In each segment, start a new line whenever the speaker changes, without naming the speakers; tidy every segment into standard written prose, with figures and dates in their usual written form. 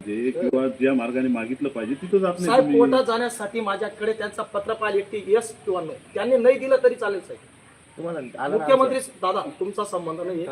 जे किंवा ज्या मार्गाने मागितलं पाहिजे तिथं जात नाही
साहेब
तुम्ही.
कोर्टात जाण्यासाठी माझ्याकडे त्यांचा पत्र पाहिजे की यस किंवा नो. त्यांनी नाही दिलं तरी चालेल साहेब. मुख्यमंत्री दादा तुमचा संबंध नाही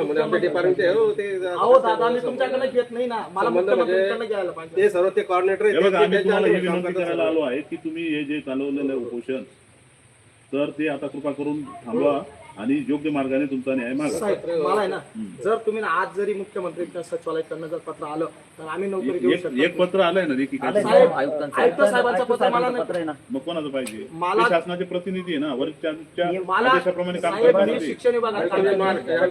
अहो दादा मी तुमच्याकडे घेत नाही ना, मला मुख्यमंत्र्यांकडे घ्यायला पाहिजे.
ते सर्व ते कॉर्डिनेटर
हे बघा आम्ही तुम्हाला ही विनंती करायला आलो आहे की तुम्ही हे जे चालवलेलं आहे उपोषण तर ते आता कृपा करून थांबवा आणि योग्य मार्गाने तुमचा न्याय मागा.
साहेब मला आहे ना, जर तुम्ही आज जरी मुख्यमंत्र्यांच्या सचिवालयाकडनं जर पत्र आलं तर आम्ही नोकरी देऊ शकतो.
एक पत्र आलंय ना की काय
साहेब आयुक्त साहेबांचं पत्र मला नाही.
मग कोणाचं पाहिजे?
मला-
ते शासनाचे प्रतिनिधी आहे ना, वरिष्ठांच्या
मला
आदेशाप्रमाणे काम
साहेब
करतात
मी
ते.
शिक्षण विभागात काम केलं.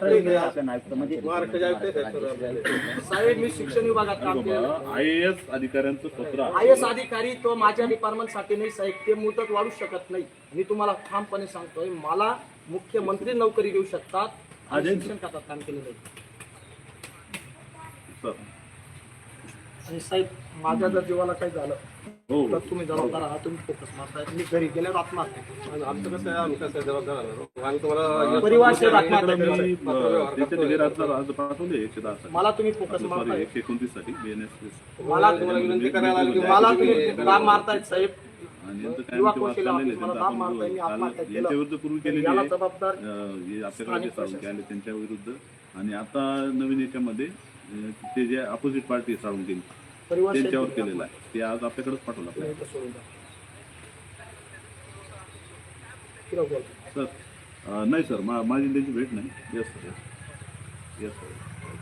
साहेब मी शिक्षण विभागात काम केलं.
IAS अधिकाऱ्यांचं पत्र आहे.
IAS अधिकारी तो माझ्या डिपार्टमेंटसाठी नाही साहेब, ते मुदत वाढू शकत नाही. मी तुम्हाला ठामपणे सांगतोय, मला मुख्यमंत्री नोकरी देऊ शकतात. आणि शिक्षण खात्यात काम केलं नाही.
सर.
आणि साहेब माझ्या जर जीवाला काही झालं
हो
तर तुम्ही जबाबदार आहात, तुम्ही फोकस मारताय. मी घरी गेल्यावर आत्महत्या केली.
आमचं कसं आहे, आम्ही कसं जबाबदार आहोत. आम्ही तुम्हाला
परिवार सेवा आत्महत्या
मी
केली.
त्याच्या निवेदनाचा अर्ज पाठवले 110
मला तुम्ही फोकस मारताय.
129 साठी BNSS.
मला
तुम्हाला विनंती करायला आलो की
मला तुम्ही दाब मारतायत साहेब.
आणि यांचं काय
युवा
आमचे
कौशल्य
वाद चाललेले
ऑफिस मला
त्यांचं
दाब
आपण
मारताय. मी
काल
आत्महत्या केलं.
यांच्या विरुद्ध पूर्वी केलेली
याला
आहे.
जबाबदार
हे आपल्याकडे जे साळुंके आले त्यांच्या विरुद्ध आणि आता नवीन याच्यामध्ये ते जे अपोजिट पार्टी साळुंके
परिवार
त्यांच्यावर केलेलं आहे ते आज आपल्याकडेच पाठवलं आपल्याला.
सोडून द्या. किती बोल.
सर नाही सर माझी त्यांची भेट नाही. Yes sir yes sir.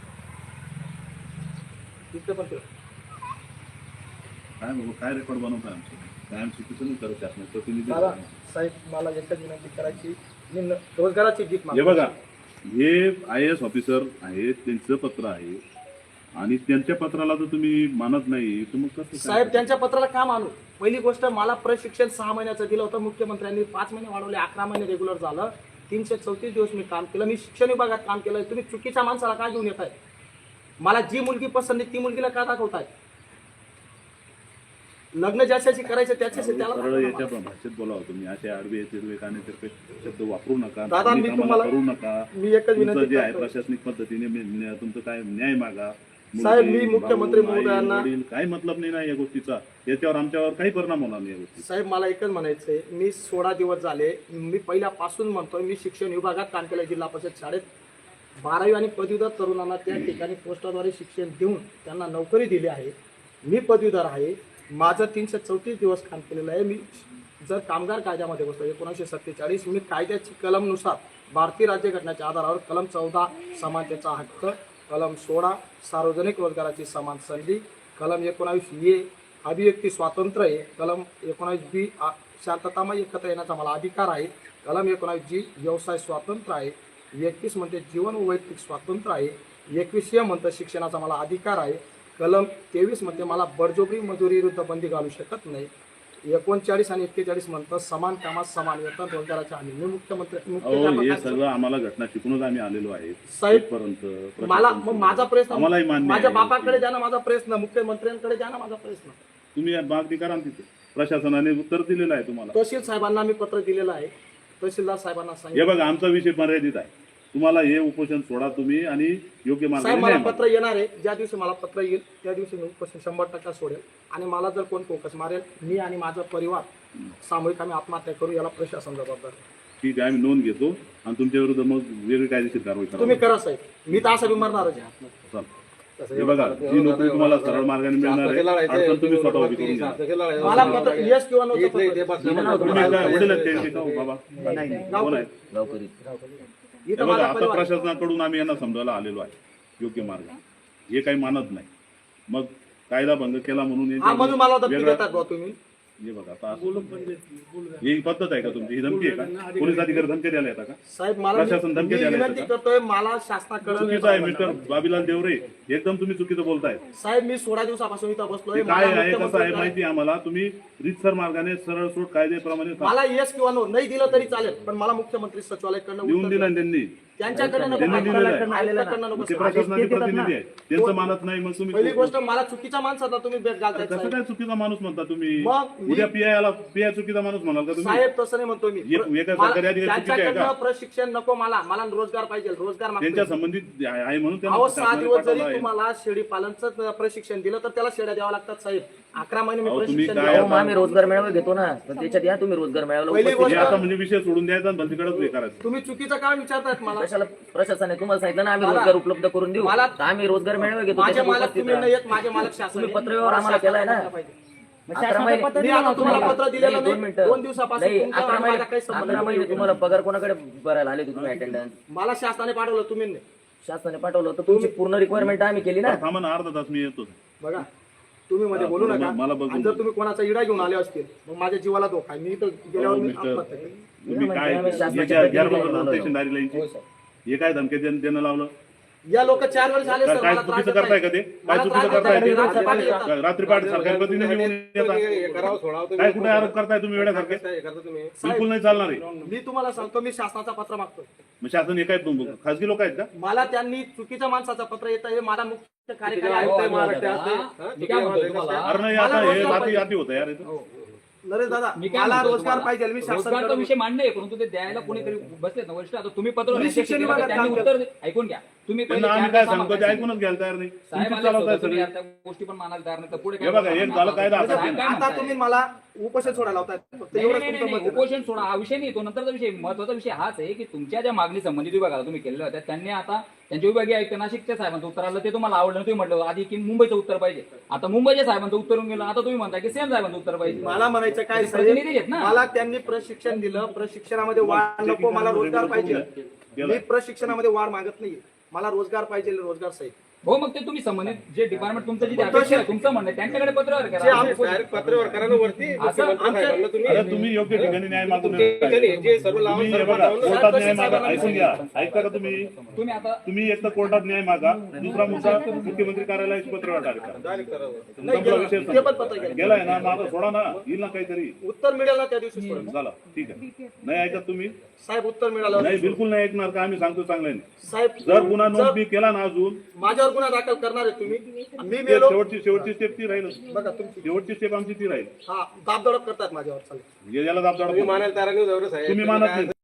इथं पण ठेव.
काय बाबा काय रेकॉर्ड बनवताय आमचं काय आमची चुकीचं नाही करत शासनात प्रतिनिधी
मला
आहे.
साहेब मला एकच विनंती करायची, मी रोजगाराची गीत
हे
मागतो.
बघा हे IAS ऑफिसर आहेत त्यांचं पत्र आहे आणि त्यांच्या पत्राला जर तुम्ही मानत नाही तर मग कसं
साहेब
काय?
त्यांच्या पत्राला का मानू? पहिली गोष्ट, मला प्रशिक्षण 6 महिन्याचं दिलं होतं मुख्यमंत्र्यांनी. 5 महिने वाढवले, 11 महिने रेग्युलर झालं. 334 दिवस मी काम केलं. मी शिक्षण विभागात काम केलं. तुम्ही चुकीच्या माणसाला काय घेऊन येत आहे? मला जी मुलगी पसंत आहे ती मुलगीला का दाखवताय? लग्न ज्याच्याशी करायचं त्याच्याशी त्याला
सरळ
दाखवा
याच्या
मला.
भाषेत बोलावं तुम्ही असे आडवे तिरवे कानेतिरपे शब्द वापरू नका.
दादा, मी
कामाला
तुम्हाला-
करू नका.
मी एकच
तुमचं
विनंती
जे आहे
करतो.
प्रशासनिक पद्धतीने तुमचं काय न्याय मागा.
साहेब, मी
मुलगी,
मुख्यमंत्री
भाऊ, आई,
महोदयांना-
वडील, काही मतलब नाही ना या गोष्टीचा. याच्यावर आमच्यावर काही परिणाम होणार नाही या गोष्टी.
साहेब मला एकच म्हणायचंय, मी 16 दिवस झाले, मी पहिल्यापासून म्हणतोय, मी शिक्षण विभागात काम केलं. जिल्हा परिषद शाळेत 12वी आणि पदवीधर तरुणांना त्या ठिकाणी पोस्टाद्वारे शिक्षण देऊन त्यांना नोकरी दिली आहे. मी पदवीधर आहे. माझं 334 दिवस काम केलेलं आहे. मी जर कामगार कायद्यामध्ये बसतो 1947, मी कायद्याची कलमनुसार भारतीय राज्यघटनेच्या आधारावर कलम 14 समानतेचा हक्क, कलम 16 सार्वजनिक रोजगाराची समान संधी, कलम 19A अभिव्यक्ती स्वातंत्र्य आहे, कलम 19B शांततामय एकत्र येण्याचा मला अधिकार आहे, कलम 19G व्यवसाय स्वातंत्र्य आहे, 21 म्हणते जीवन व वैयक्तिक स्वातंत्र्य आहे, 21 म्हणतं शिक्षणाचा मला अधिकार आहे, कलम 23 मध्ये मला बळजबरी मजुरी विरुद्ध बंदी घालू शकत नाही, 39 आणि 41 म्हणतं समान कामात समान वेतन रोजगाराच्या हमी. मी
हे सगळं आम्हाला घटना शिकूनच आम्ही आलेलो आहे
साहेब,
इथपर्यंत.
मला मग माझा प्रश्न
आम्हालाही मान्य
माझ्या
आहे.
बापाकडे द्या ना माझा प्रश्न, मुख्यमंत्र्यांकडे द्या ना माझा प्रश्न.
तुम्ही मागणी करा ना तिथे. प्रशासनाने उत्तर दिलेलं आहे तुम्हाला.
तहसील साहेबांना मी पत्र दिलेलं आहे. तहसीलदार साहेबांना
हे
सांगितलं.
बघा आमचा विषय मर्यादित आहे. तुम्हाला हे उपोषण सोडा तुम्ही आणि योग्य
साहेब
मार्गाने
मला
न्याय मागा.
पत्र येणार आहे. ज्या दिवशी मला पत्र येईल त्या दिवशी मी उपोषण 100% सोडेल. आणि मला जर कोण फोकस मारेल, मी आणि माझा परिवार सामूहिक आम्ही आत्महत्या करू, याला प्रशासन जबाबदार आहे.
ठीक आहे आम्ही नोंद घेतो आणि तुमच्या विरुद्ध मग वेगळी कायदेशीर कारवाई
तुम्ही
करा.
करा साहेब, मी तर असं बिमारणारच आहे.
चल. हे बघा जी नोकरी तुम्हाला सरळ मार्गाने मिळणार आहे अडचण तुम्ही स्वतः उभी करून घ्या.
मला पत्र यस किंवा नो
तुम्ही काय वडील आहेत त्यांचे का हो बाबा? कोण आहेत? हे
इथं
बघा
माझा
आता
परिवार आहे.
प्रशासनाकडून आम्ही यांना समजायला आलेलो आहे योग्य मार्ग. हे काही मानत नाही. मग कायदा भंग केला म्हणून
हा
याच्यावर
म्हणून मला धमकी
वेगळा-
देतात भाऊ तुम्ही.
हे बघा आता ही पद्धत आहे का तुमची? ही धमकी आहे का? पोलीस अधिकारी धमकी द्यायला येतात का?
साहेब मला
प्रशासन धमकी
मी
द्यायला
विनंती
येतं
करतोय, मला शासनाकडे
चुकीचं आहे मिस्टर बाबीलाल देवरे. एकदम तुम्ही चुकीचं बोलताय.
साहेब मी 16 दिवसापासून इथं बसलोय.
ते काय
मला
आहे कसं आहे
मुख्यमंत्री-
माहिती आहे आम्हाला. तुम्ही रीतसर मार्गाने सरळ सोड कायद्याप्रमाणे
मला येस किंवा नो नाही दिलं तरी चालेल, पण मला मुख्यमंत्री सचिवालयाकडनं
लिहून
उत्तर
दिलं
द्या.
त्यांनी
त्यांच्याकडे नको
त्यांनी दिलेलं आहे.
आयुक्ताकडनं नको
ते
साहेब.
प्रशासनाचे प्रतिनिधी आहे, त्यांचं मानत नाही मग तुम्ही
पहिली गोष्ट मला चुकीच्या माणसाला तुम्ही भेट घालताय
कसं
साहेब.
काय चुकीचा माणूस म्हणता तुम्ही?
मग मी-
उद्या पीआय चुकीचा माणूस म्हणाल का तुम्ही?
साहेब तसं नाही म्हणतो मी
वेगळ्या
मला-
सरकारी अधिकारी चुकीचे आहे का?
त्यांच्याकडनं प्रशिक्षण नको मला रोजगार पाहिजे रोजगार मागतोय.
त्यांच्या संबंधित आहे म्हणून
अहो 6
शासनाने
दिवस
पाठवलं
जरी
आहे.
तुम्हाला शेळी पालनचं प्रशिक्षण दिलं तर त्याला शेळ्या द्यावा लागतात साहेब. 11 महिने मी
अहो, तुम्ही
प्रशिक्षण
काय
दिलं.
हो, आम्ही रोजगार मेळावा घेतो ना, तर त्याच्यात या तुम्ही रोजगार मेळाव्याला
पहिली
उपस्थित
हे
गोष्ट-
आता म्हणजे विषय सोडून द्यायचा आणि भलतीकडेच हे करायचं.
तुम्ही चुकीचं काय विचारतायत मला
कशाला प्रशासनाने तुम्हाला सांगितलं ना आम्ही
मला-
रोजगार उपलब्ध करून देऊ,
मला-
तर आम्ही रोजगार मेळावा घेतो,
माझे
त्याच्यात
मालक
उपस्थित
तुम्ही
राहा.
नाही येत माझे मालक शासन
तुम्ही
आहे.
पत्रव्यवहार आम्हाला केलाय ना.
शासनाला पाहिजे.
11 महिने
मी आता तुम्हाला पत्र दिलेलं
नाही,
नाही.
2 मिनिटं.
2 दिवसापासून
नाही,
तुमचा
11
आणि माझा काही संबंध
11 महिने
नाही.
तुम्हाला पगार कोणाकडे भरायला आले होते तुम्ही अटेंडन्स?
मला शासनाने पाठवलं तुम्ही नाही.
शासनाने पाठवलं तर तुमची पूर्ण रिक्वायरमेंट आम्ही केली ना.
थांबा ना, अर्धा तास मी येतो.
बघा तुम्ही मध्ये बोलू नका
मला बघून
आणि जर तुम्ही कोणाचा इडा घेऊन आले असतील मग माझ्या जीवाला धोका आहे. मी तर गेल्यावर मी
मिस्टर,
आत्महत्या केली.
तुम्ही काय
आम्ही शासनाच्या
याच्या
प्रतिनिधी
गैरप्रकार
म्हणून
स्टेशनदारी लाईनची हे काय धमकी देणं लावलं?
या लोक 4 वेळेस आले सर
काय
मला त्रास
चुकीचं
देतायत.
करताय का ते? काय
मला
चुकीचं
त्रास
करताय
देतायत.
ते?
रात्री पाठी येतात.
काय रात्री पहाटे सरकारी प्रतिनिधी येऊन येतात?
हे करावं सोडावं तुम्ही.
काय कुठे आरोप करताय तुम्ही वेड्यासारखे?
हे करता तुम्ही.
बिलकुल नाही चालणार आहे.
मी तुम्हाला सांगतो मी शासनाचा पत्र मागतो.
मग शासन हे काय खासगी लोक आहेत का?
मला त्यांनी चुकीच्या माणसाचं पत्र येतं हे मला मुख्य कार्यकारी आयुक्त
आयुक्त
आहे
आहे
महाराष्ट्राचे.
महाराष्ट्राचे. हा?
मी काय म्हणतोय तुम्हाला,
अरे नाही,
मला
आता हे
रोजगार
रात्री
पाहिजे.
अति होतं यार इथं.
नरेश दादा
मी काय
मला
म्हणतोय
रोजगार
तुम्हाला?
पाहिजे मी
रोजगारचा
शासनाकडे
विषय मांडणे आहे, परंतु ते द्यायला कोणीतरी बसलेत ना वरिष्ठ. आता तुम्ही पत्र
मी
त्यांच्याशी
शिक्षण
केलं,
विभागात
त्यांनी
काम
उत्तर ऐकून घ्या. तुम्ही पहिले
त्यांना आम्ही
4
काय
तास
सांगतो ते
सांगा.
ऐकूनच घ्यायला तयार नाही.
साहेब
तुमचीच
आले
चालवताय
स्वतः, तुम्ही
सगळी.
आता गोष्टी पण मानायला तयार नाही, तर पुढे
हे बघा, एक झालं कायदा
आता
आता
साहेब काय
आता
म्हणताय?
तुम्ही मला उपोषण सोडायला लावताय फक्त
नाही,
एवढंच
नाही,
तुमचं
नाही,
मत
नाही,
आहे.
उपोषण सोडा हा विषय नाही. तो नंतरचा विषय, महत्वाचा विषय हाच आहे की तुमच्या ज्या मागणी संबंधित विभागाला तुम्ही केलेल्या होत्या त्यांनी आता त्यांच्या विभागीय आयुक्त नाशिकच्या साहेबांचं उत्तर आलं, ते तुम्हाला आवडलं. तुम्ही म्हटलं आधी की मुंबईचं उत्तर पाहिजे, आता मुंबईच्या साहेबांचं उत्तर येऊन गेलं. आता तुम्ही म्हणता की सेम साहेबांचं उत्तर पाहिजे.
मला म्हणायचं काय
ते प्रतिनिधी आहेत
साहेब
ना.
मला त्यांनी प्रशिक्षण दिलं प्रशिक्षणामध्ये वाढ नको मला रोजगार पाहिजे. मी प्रशिक्षणामध्ये वाढ मागत नाही मला रोजगार पाहिजे रोजगार साहेब.
हो, मग ते तुम्ही संबंधित जे डिपार्टमेंट तुमचं जे अपेक्षा आहे, तुमचं म्हणणं आहे, त्यांच्याकडे पत्रव्यवहार
जे
करा.
आम्ही-
डायरेक्ट पत्रव्यवहार करा ना वरती. मुख्यमंत्री साहेबांना तुम्ही.
अरे तुम्ही योग्य ठिकाणी न्याय मागून
तुम्ही जे सर्व लावून
तुम्ही हे
सर्व
बघा
लावून-
कोर्टात न्याय मागा. ऐकून घ्या, ऐकता का तुम्ही?
तुम्ही आता
तुम्ही एक तर कोर्टात न्याय मागा, दुसरा मुद्दा मुख्यमंत्री कार्यालयाची पत्रव्यवहार करा.
डायरेक्ट करावं.
नाही,
संपला
गेलं.
विषय
ते पण पत्र गेलं.
गेलाय ना, माझा सोडा ना, येईल ना काहीतरी.
उत्तर मिळेल ना त्या दिवशी सोडून.
झालं, ठीक आहे. नाही ऐकत तुम्ही?
साहेब उत्तर मिळालं
नाही, बिलकुल नाही ऐकणार का? आम्ही सांगतो चांगल्याने.
साहेब
जर गुन्हा नोंद
जर
मी केला ना अजून,
माझ्यावर गुन्हा दाखल करणार आहे तुम्ही मी
ते
मेलो
शेवटची स्टेप ती राहील.
बघा तुमची
शेवटची स्टेप आमची ती राहील.
हा दाबदडप करतात माझ्यावर चालेल
याला दाब
तुम्ही मानायला तयार नाही, जवळ साहेब.
तुम्ही मानत नाही.